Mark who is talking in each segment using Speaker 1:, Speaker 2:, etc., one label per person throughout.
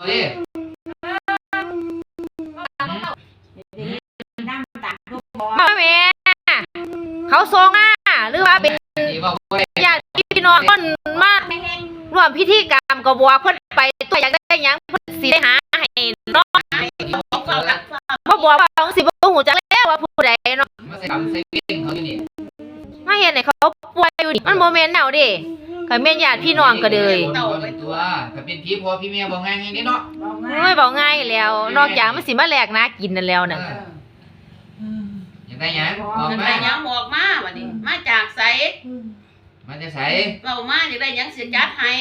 Speaker 1: ดิ
Speaker 2: มาแม่เขาทรงหรือว่าเป็นญาติพี่น้องคนมาร่วมพิธีกรรมก็บอกเพิ่นไปตัวอยากได้หยังเพิ่นสิได้หาให้เนาะบ่บอกว่าจังสิบ่ฮู้จักแล้วว่าผู้ใดเนาะ
Speaker 1: มาใส่กำใส่เก่งเขาอยู่นี่
Speaker 2: มาเฮ็ดให้เขาป่วยอยู่นี่มันบ่แม่นแนวเด้ก็แม่นญาติพี่น้องก็เลย
Speaker 1: ตัวถ้าเป็นพี่พ่อพี่แม่บอกง่ายๆนี่เนาะ
Speaker 2: โอ้ยบอกง่ายแล้วนอกจากมันสิมาแลกนากินนั่นแล้วน่ะ
Speaker 1: อยากได้หยังบอกมา
Speaker 3: อยากได้หยังบอกมาบัดนี้มาจากไส
Speaker 1: มันจะใส่
Speaker 3: เว้ามาอยากได้หยังสิจัดให้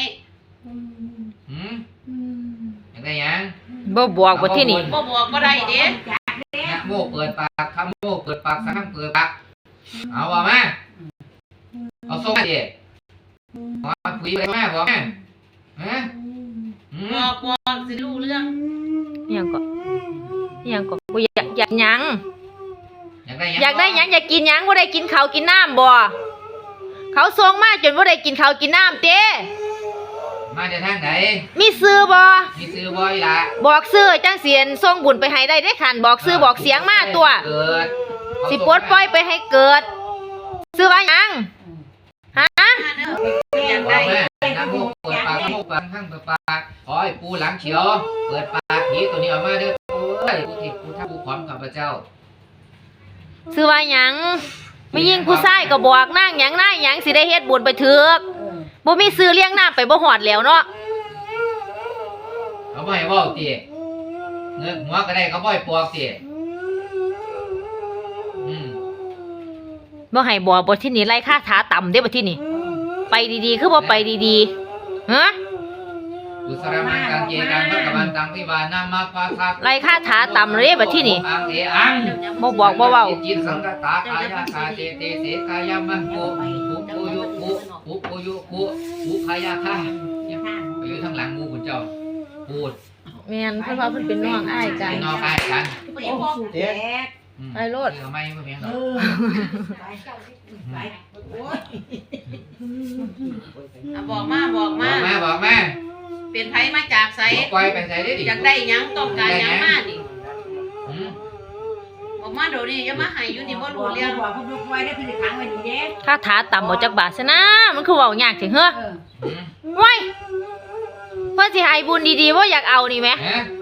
Speaker 1: อยากได้หยัง
Speaker 2: บ่บอกบ่ที่นี่
Speaker 3: บ่บอกบ่ได้เด้
Speaker 1: นะโมเปิดปากคำโมเปิดปากสังเปิดปากเอาว่ามาเอาส่งมาดิบอกคุยไปมาบอกมาฮะ
Speaker 3: บอกสิรู้เรื่อง
Speaker 2: อิหยังก็บ่อยากหยัง
Speaker 1: อยากได้ห
Speaker 2: ยังอยากกินหยังบ่ได้กินข้าวกินน้ำบ่เขาส่งมาจนบ่ได้กินข้าวกินน้ำเต้
Speaker 1: มาจากทางไหน
Speaker 2: มีซื้อบ่
Speaker 1: มีซื้อบ่อีหล่ะ
Speaker 2: บอกซื้อจังเสียนส่งบุญไปให้ได้คันบอกซื้อบอกเสียงมาตัวสิปลดปล่อยไปให้เกิดซื้อว่าหยังฮะ
Speaker 3: อยากได้
Speaker 1: นะโมเปิดปากนะโมเปิดข้างเปิดปากขอให้ปูหลังเฉียวเปิดปากผีตัวนี้ออกมาเด้อเอ้ยผู้ที่ผู้ทับผู้ขอมข้าพเจ้า
Speaker 2: ซื้อว่าหยังไม่ยิ่งผู้ชายก็บอกนางหยังสิได้เฮ็ดบุญไปเถิกบ่มีซื้อเลี้ยงน้ำไปบ่ฮอดแล้วเนาะ
Speaker 1: เขาบ่ให้เว้าติเงือกหัวก็ได้เขาบ่ให้ปอกติ
Speaker 2: บ่ให้บอกบ่ที่นี่ไล่ค่าถาต่ำเด้บ่ที่นี่ไปดีๆคือบ่ไปดีๆฮะ
Speaker 1: กุศลมังกังเจกังพระกวันตังวิวานามาปะทะ
Speaker 2: ไล่ค่าถาต่ำเลยบ่ที่นี่บ่บอกบ่เว้า
Speaker 1: จิตสังกตากายาคาเตเตเสกายามันโกปุโกยุปุปุโกยุปุปุขายาคาไปอยู่ทางหลังงูคุณเจ้าพูด
Speaker 2: แม่นเพิ่นว่าเพิ่นเป็นน้องอ้ายกัน
Speaker 1: น้องอ้ายกัน
Speaker 3: โอ้แตก
Speaker 2: ไอ้โลด
Speaker 1: ทำไมบ่แม่น
Speaker 3: บอกมาเป็นไผมาจากไส
Speaker 1: ปล่อยไปใส่ได้ดิ
Speaker 3: อยากได้หยังต้องการหยังมาดิบอกมาเดี๋ยวนี้อย่ามาให้อยู่นี่บ่รู้เรื่อง
Speaker 2: ค่าถาต่ำบ่จักบาทซะนะมันคือเว้ายากจังเฮ้อไว้เพิ่นสิให้บุญดีๆบ่อยากเอานี่แหม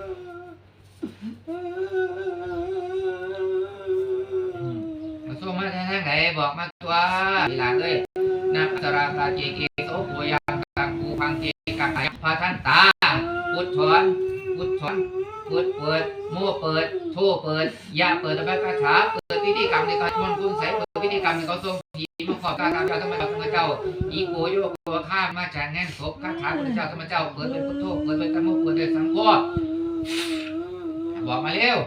Speaker 1: มาส่งมาทางไหนบอกมาตัวอีหลานเอ้ยนักสราคาเจเกโสโพยังกังกูพังเจกังไตพาท่านตาพุทธอนพุทเปิดโม่เปิดโทเปิดยาเปิดตะแบกคาถาเปิดพิธีกรรมในการมนต์คุณใส่เปิดพิธีกรรมในเขาทรงผีมาขอบการเจ้าธรรมเจ้าอีโกโยโกข้ามาจากแง่นศพคาถาพระเจ้าธรรมเจ้าเปิดเป็นพุทโธเปิดเป็นธรรมเปิดเป็นสังฆบอกมาเร็ว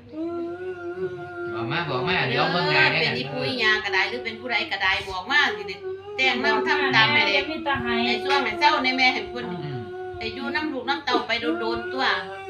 Speaker 1: บอกมาเดี๋ยวเบิ่งงานเนี่ย
Speaker 3: เป็นอีผู้ยาก็ได้หรือเป็นผู้ใดก็ได้บอกมาสิได้แต่งนำทำตามแม่เด็กไอ้ช่วงแม่เจ้าในแม่ให้เพิ่นไอ้อยู่น้ำลูกน้ำเต้าไปโดนตัว